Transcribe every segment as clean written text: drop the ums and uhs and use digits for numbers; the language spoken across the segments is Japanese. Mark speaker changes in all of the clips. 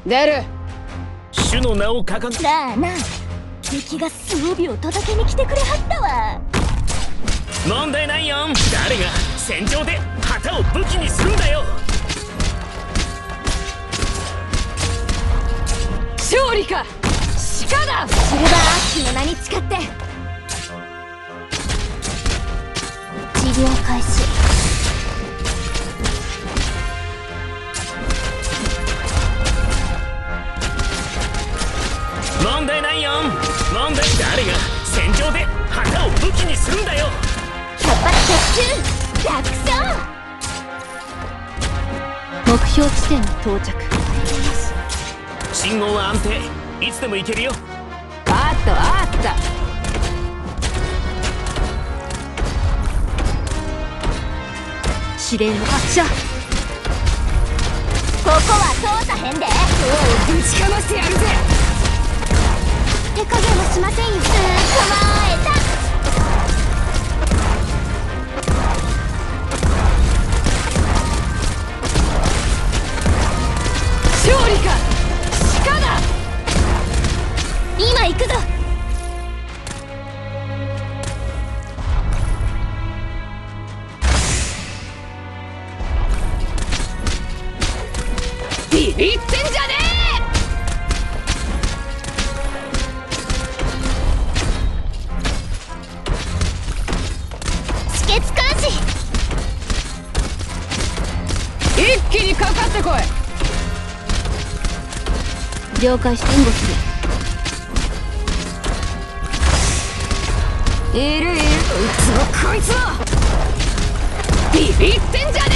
Speaker 1: 出る。
Speaker 2: 主の名を掲げ。
Speaker 3: なあなあ、敵が装備を届けに来てくれはったわ。
Speaker 2: 問題ないよ。誰が戦場で旗を武器にするんだよ。
Speaker 1: 勝利か鹿だ。
Speaker 3: シルバーアッシュの名に誓って治療開始。
Speaker 2: 問題ないよ。問題。誰が戦場で旗を武器にするんだよ。
Speaker 3: 百発百中楽勝。目標地点に到着。
Speaker 2: 信号は安定。いつでも行けるよ。
Speaker 1: あったあった。
Speaker 3: 指令の発射。ここは通さへんで。
Speaker 1: おうぶちかましてやるぜ。
Speaker 3: 手加減はしませんよ。捕まえた。
Speaker 1: 勝利か鹿だ。
Speaker 3: 今行くぞ。
Speaker 1: ビビってんじゃね
Speaker 3: 止血監視。
Speaker 1: え。一気にかかってこい。
Speaker 3: 了解。援護する。
Speaker 1: いるいる。こいつもこいつもビビってんじゃね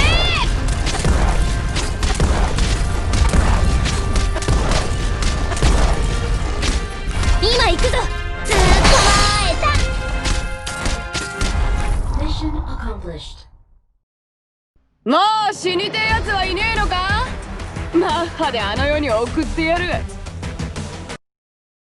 Speaker 3: 今行くぞ。捕まえた。
Speaker 1: もう死にてえやつはいねえのか。マッハであの世に送ってやる。